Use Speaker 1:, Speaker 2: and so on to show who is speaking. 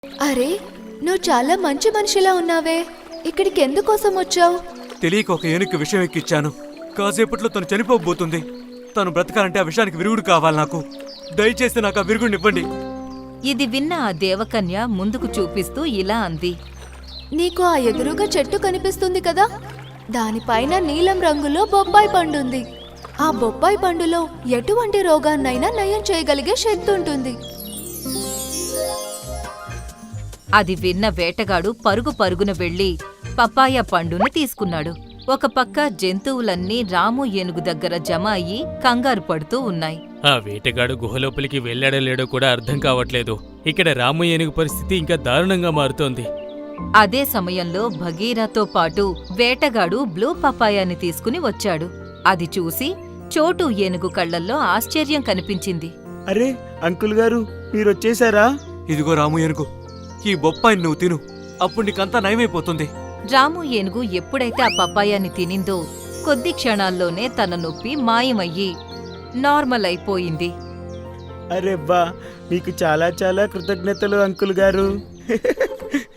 Speaker 1: అరే, నువ్వు చాలా మంచి మనిషిలా ఉన్నావే. ఇక్కడికి ఎందుకోసం వచ్చావు?
Speaker 2: తెలియక ఒక ఏనుగు విషయం ఎక్కిచ్చాను. కాసేపట్లో తను చనిపోబోతుంది. తను బ్రతకాలంటే ఆ విషయానికి విరుగుడు కావాలి నాకు. దయచేసి నాకు ఆ విరుగుడినివ్వండి.
Speaker 3: ఇది విన్న ఆ దేవకన్య ముందుకు చూపిస్తూ ఇలా అంది.
Speaker 1: నీకు ఆ ఎదురుగా చెట్టు కనిపిస్తుంది కదా, దానిపైన నీలం రంగులో బొప్పాయి పండుంది. ఆ బొప్పాయి పండులో ఎటువంటి రోగాన్నైనా నయం చేయగలిగే శక్తి ఉంటుంది.
Speaker 3: అది విన్న వేటగాడు పరుగు పరుగున వెళ్లి పపాయ పండును తీసుకున్నాడు. ఒక పక్క జంతువులన్నీ రాము ఏనుగు దగ్గర జమ అయ్యి కంగారు పడుతూ ఉన్నాయి.
Speaker 4: ఆ వేటగాడు గుహలోపలికి వెళ్ళాడో లేడో కూడా అర్థం కావట్లేదు. ఇక్కడ రాము ఏనుగు పరిస్థితి ఇంకా దారుణంగా మారుతోంది.
Speaker 3: అదే సమయంలో భగీరథతో పాటు వేటగాడు బ్లూ పపాయాని తీసుకుని వచ్చాడు. అది చూసి చోటు ఏనుగు కళ్లల్లో ఆశ్చర్యం కనిపించింది.
Speaker 5: అరే అంకుల్ గారు, మీరొచ్చేశారా?
Speaker 2: ఇదిగో రాము ఏనుగు, ఈ బొప్పాయిని నువ్వు తిను. అప్పుడు నీకంతా నయమైపోతుంది.
Speaker 3: రాము ఏనుగు ఎప్పుడైతే ఆ పపాయాని తినిందో కొద్ది క్షణాల్లోనే తన నొప్పి మాయమయ్యి నార్మల్ అయిపోయింది.
Speaker 5: అరే బా, మీకు చాలా చాలా కృతజ్ఞతలు అంకుల్ గారు.